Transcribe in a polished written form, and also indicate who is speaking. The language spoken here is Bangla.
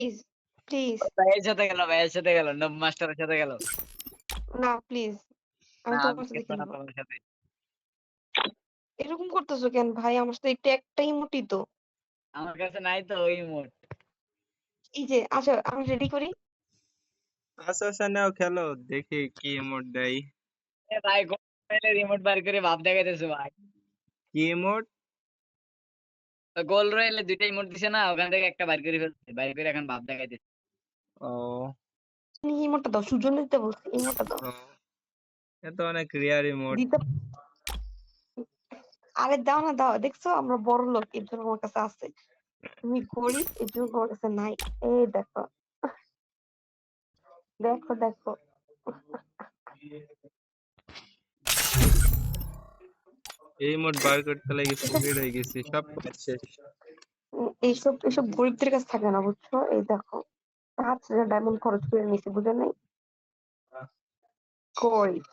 Speaker 1: Please, please.
Speaker 2: ভাইয়ের সাথে গেল, ভাইয়ের সাথে গেল, নব মাস্টারের সাথে গেল।
Speaker 1: না প্লিজ। আমি
Speaker 2: না আমি
Speaker 1: তোমার সাথে
Speaker 2: খেলবো না
Speaker 1: খেলবো।
Speaker 2: তোমার সাথে।
Speaker 1: এরকম করতেছো কেন ভাই? আমার সাথে এটা একটা ইমোটই তো।
Speaker 2: আমার কাছে নাই তো ওই ইমোট।
Speaker 1: এই যে আচ্ছা আমি রেডি করি।
Speaker 3: আচ্ছা আচ্ছা নাও খেলো দেখি কি ইমোট দেয়।
Speaker 2: এ ভাই গোল রয়েলে রিমোট বার করে ভাব দেখাইতেছে ভাই।
Speaker 3: কি ইমোট?
Speaker 2: গোল রয়েলে দুইটা ইমোট দিছে না, ওখান থেকে একটা বার করে ফেলছে। বার করে এখন ভাব দেখাইতেছে।
Speaker 3: ও
Speaker 1: তুমি ইমোটটা দাও, সুজন দিতে বলছি, ইমোটটা দাও।
Speaker 3: ও, এ তো অনেক রিয়ার ইমোট।
Speaker 1: দিতে আরে দাও না দাও, দেখছো আমরা বড় লোক এর জন্য আমার কাছে আছে। তুমি গরিব এর জন্য তোমার কাছে নাই। এই দেখো, দেখো দেখো।
Speaker 3: এই ইমোট বার করতে লাগি ফকির হয়ে গেছি, সব কাজ শেষ।
Speaker 1: এইসব এইসব গরিবদের কাছে থাকে না বুঝছো। এই দেখো 5,000 ডায়মন্ড খরচ করে নিছি, বুঝে নাই? গরিব।